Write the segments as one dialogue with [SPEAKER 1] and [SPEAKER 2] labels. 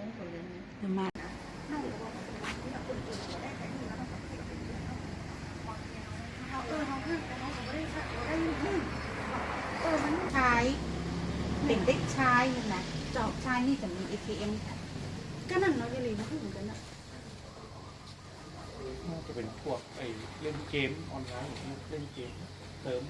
[SPEAKER 1] มามันชายเป็นเด็กชายนะเจ้าชายนี่จะมี ATM ก็นั่นเนาะยังไงมันก็เหมือนกันนะ
[SPEAKER 2] น่าจะเป็นพวกเล่นเกมออนไลน์เล่นเกมเติม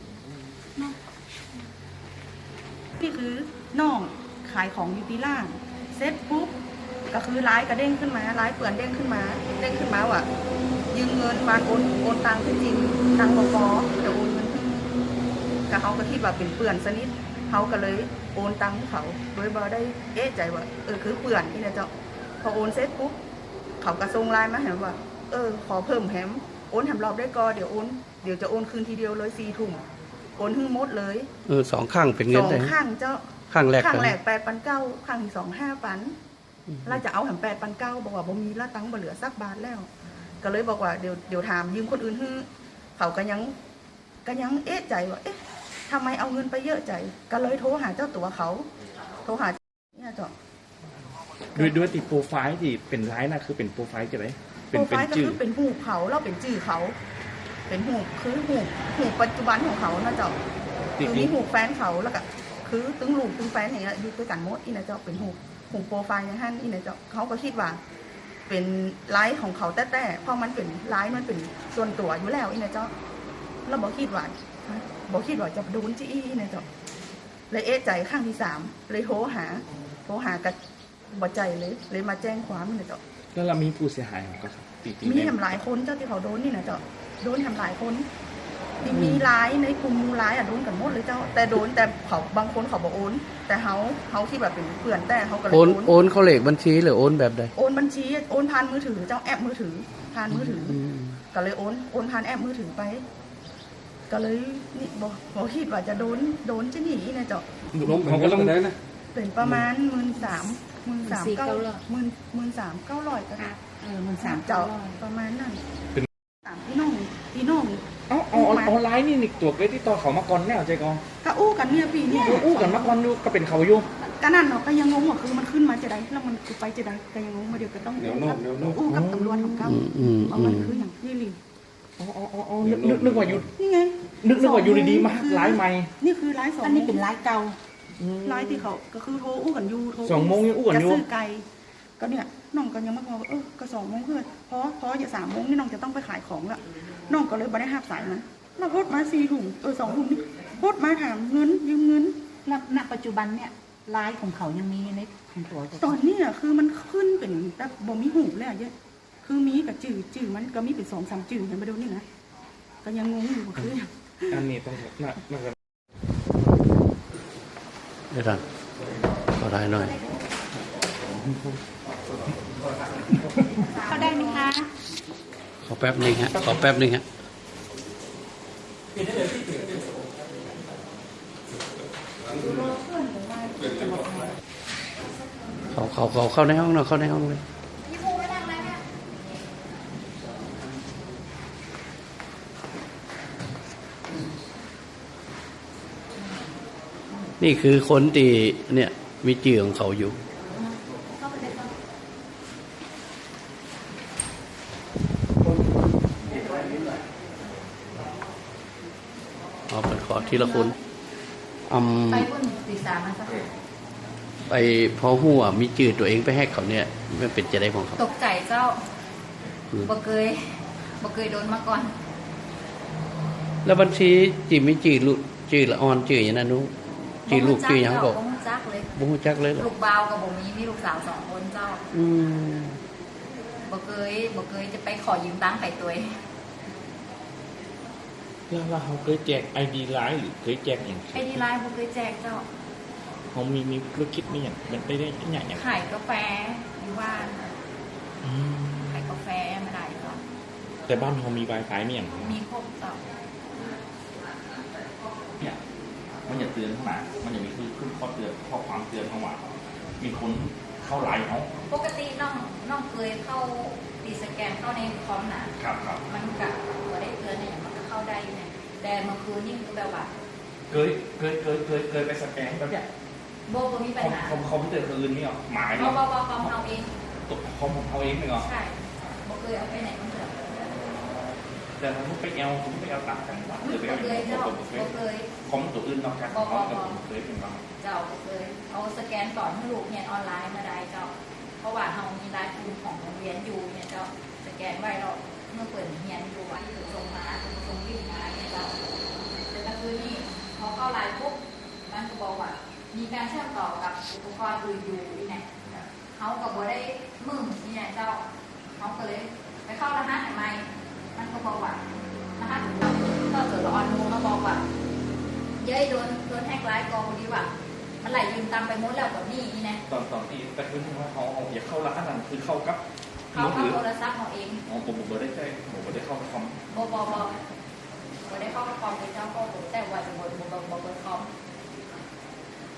[SPEAKER 1] นี่คือน้องขายของอยู่ที่ล่างเซ็ตปุ๊บก็คือไลฟ์ก็เด้งขึ้นมาไลฟ์เปื่อนเด้งขึ้นมาว่ะยืมเงินมาโอนตังค์จริงตังค์บอเดี๋ยวโอนเงินก็เขาก็คิดว่าเป็นเปื่อนสนิทเขาก็เลยโอนตังค์ให้เขาโดยบอได้เอ๊ะใจว่าคือเปื่อนที่เนี่ยเจ้าพอโอนเซ็ตปุ๊บเขาก็ส่งไลน์มาเห็นว่าขอเพิ่มแฮมโอนแฮมรอบได้ก็เดี๋ยวจะโอนคืนทีเดียวเลย4 ทุ่มโอนหมดเลย
[SPEAKER 3] 2 ข้างเป็นเงิน
[SPEAKER 1] 2 ข้างเจ้า
[SPEAKER 3] ข้างแรก
[SPEAKER 1] 8,900ข้างที่2 5,000เราจะเอาแฮม8,900บอกว่าบ่มีละตังค์บ่เหลือสักบาทแล้วก็เลยบอกว่าเดี๋ยวถามยืมคนอื่นให้เขาก็ยังเอ๊ะใจว่าเอ๊ะทำไมเอาเงินไปเยอะใจก็เลยโทรหาเจ้าตัวเขาโทรหาเนี่ยเจ้า
[SPEAKER 2] ด้วยติดโปรไฟล์ที่เป็นไลน์นะคือเป็นโปรไฟล์จะไหม
[SPEAKER 1] โปรไฟล์ก็คือเป็นหูเขาเราเป็นจื่อเขาเป็นหูคือหูปัจจุบันของเขานะเจ้าคือมีหูแฟนเขาแล้วก็คือตึงลูกตึงแฟนอย่างเงี้ยอยู่ด้วยกันหมดอีนะเจ้าเป็นหูโปรไฟล์อย่างนั้นอีนะเจ้าเขาก็คิดว่าเป็นไลฟ์ของเขาแต่เพราะมันเป็นไลฟ์มันเป็นส่วนตัวอยู่แล้วอีนะเจ้าเราบอกคิดว่าจะโดนจี้อีนะเจ้าเลยเอ๊ะใจข้างที่3เลยโทรหากับบ่ใจเลยมาแจ้งความนี่นะเจ้า
[SPEAKER 2] แล้วเรามีผู้เสียหายของเขา
[SPEAKER 1] มีทำหลายคนเจ้าที่เขาโดนนี่นะเจ้าโดนทำหลายคนมีร้ายในกลุ่มมูร้ายโดนกันหมดเลยเจ้าแต่โดนแต่เขาบางคนเขาบอกโอนแต่เขาที่แบบเป็นเพื่อนแต่เขาก็เลย
[SPEAKER 3] โอนเขาเลขบัญชีหรือโอนแบบใด
[SPEAKER 1] โอนบัญชีโอนผ่านมือถือเจ้าแอปมือถือผ่านมือถือก็เลยโอนผ่านแอปมือถือไปก็เลยนี่บอกคิดว่าจะโดนจะหนีนะเจ้า
[SPEAKER 2] เขาก็ต้องได้นะ
[SPEAKER 1] เป็นประมาณ13,900ก็ได้
[SPEAKER 4] 13,900
[SPEAKER 1] เจ้าประมาณนั้นเป็นพี่น้อง
[SPEAKER 2] ออนไลน์นี่ตัวเกที่ต่อเขามาก่อนแน่ใจกอง
[SPEAKER 1] ก็อู้กันเนี่ยปีนี้
[SPEAKER 2] อู้กันมาก่อนดูก็เป็นเขาอยู่
[SPEAKER 1] ก็นั่นเนาะก็ยังงงว่าคือมันขึ้นมาจะได้แล้วมันคือไปจะได้ก็ยังงงมาเดี๋ยวก็ต้องอู้กับตำรวจของเขาเพราะมันคืออย่างที่ลิง
[SPEAKER 2] นึกว่าอยู่
[SPEAKER 1] นี่ไง
[SPEAKER 2] นึกว่าอยู่ดีๆมาไลฟ์ใหม่
[SPEAKER 1] นี่คือไลฟ์2
[SPEAKER 4] อันนี้เป็นไลฟ์เก่า
[SPEAKER 1] ไลฟ์ที่เขาก็คือโทรอู้กันอยู่โทร
[SPEAKER 2] 2 โมงยังอู้กันอยู่
[SPEAKER 1] จะซื้อไก่ก็เนี่ยน้องก็ยังมาบอกว่าก็2 โมงเพื่อนเพราะอย่า3 โมงนี่น้องจะต้องไปขายของละน้องก็เลยไม่ได้หับสายมันเราโพสมา4 ทุ่ม2 ทุ่มนี่โพสมาถามเงินยืมเงิน
[SPEAKER 4] แล้วณปัจจุบันเนี่ยไลฟ์ของเขายังมีในของตัว
[SPEAKER 1] ตอนนี้คือมันขึ้นเป็นแบบบ่มีหูเลยเยอะคือมีกับจื่อมันก็มีเป็น2-3 จื่อเห็นมาดูนี่นะก็ยังงงอยู่คือ
[SPEAKER 2] อันนี้ต้องน่า
[SPEAKER 3] ได้ทันก็ได้หน่อย
[SPEAKER 4] เขาได้ไหมคะ
[SPEAKER 3] ขอแป๊บนึงฮะเขาเข้าในห้องเลยนี่คือคนที่เนี่ยมีจื่อของเขาอยู่เป็นขอทีละคน
[SPEAKER 4] ไปพุ่นตี3มาสัก
[SPEAKER 3] ไปพอหัวมีจื่อตัวเองไปแฮกเขาเนี่ยมันเป็นจะได้ของเขา
[SPEAKER 4] ตกใจเจ้าบ่เคยโดนมาก่อน
[SPEAKER 3] แล้วบัญชีจีไม่จื่อละออนจื่ออย่างนั้นนู้จื่อลูกจื่อยังบอก
[SPEAKER 4] บ่จักเลยลูกบ่าวกับบ่มีลูกสาว2 คนเจ้าบ่เคยจะไปขอยืมตังค์ใครตัว
[SPEAKER 2] แล้วเขาเคยแจก ID ไลน์หรือเคยแจกอย่าง
[SPEAKER 4] ID ไลน์บ่เคยแจกเจ้า
[SPEAKER 2] เขามีธุรกิจมีอย่างมันได้อย่าง
[SPEAKER 4] ขายกาแฟอยู่บ้านขายกาแฟไม่ได้เจ้า
[SPEAKER 2] แต่บ้านเขามี Wi-Fi มีอย่าง
[SPEAKER 4] มีครบเจ้า
[SPEAKER 2] เนี่ยมันอย่าเตือนข้างหลังมันอย่ามีขึ้นข้อเตือนข้อความเตือนข้างหลังมีคนเข้าไลน์เขา
[SPEAKER 4] ปกติน้องเคยเข้าดีสแกนเข้าในคอมนะครับมันกะว่าได้เตือนเนี่ยมันก็เข้าได้เนี่ยแต่เมื่อคืนนี่คือแบบว่า
[SPEAKER 2] เคยไปสแกนแบบเนี้ย
[SPEAKER 4] โบมีปัญหา
[SPEAKER 2] คอมพิวเตอร์อื่นนี่หรอหมาย
[SPEAKER 4] บ
[SPEAKER 2] เนาะ
[SPEAKER 4] คอมเอาเอง
[SPEAKER 2] คอมเอาเองเลยเหรอ
[SPEAKER 4] ใช่โบเคยเอาไปไหนมันเถอะ
[SPEAKER 2] แต่ถ้าผมไปเอาตัดกันว่า
[SPEAKER 4] โบเคยเจ้าโบเคย
[SPEAKER 2] คอมตัวอื่นนอกจากคอมกับผมเคยเป็นบ้าง
[SPEAKER 4] เจ้าโบเคยเอาสแกนก่อนให้ลูกเรียนออนไลน์มาได้เจ้าเพราะว่าเรามีรายภูมิของโรงเรียนอยู่เนี่ยเจ้าสแกนไว้เราเมื่อเปิดเรียนอยู่ว่าอยู่ตรงมาตรงวิ่งมาเนี่ยเจ้าแต่ก็คือนี่พอเข้าไลน์ปุ๊บมันก็บอกว่ามีการเชื่อมต่อกับอุปกรณ์อื่นอยู่นี่ไงเขาก็บอกได้มึงนี่ไงเจ้าเขาก็เลยไปเข้ารหัสใหม่มันก็บอกว่ารหัสเราก็เกิดละออนมูมาบอกว่าเย้ยโดนแฮกไลน์กองดีว่ามันไหลยืมตามไปหมดแล้วแบบนี้นี่นะ
[SPEAKER 2] ตอนที่แต่คือว่าเขาอย่าเข้าร้านนั้นคือเข้ากับ
[SPEAKER 4] เขาเอาโทรศัพท์เขาเอง
[SPEAKER 2] ผมไม่ได้ใช่ผมไม่ได้เข้า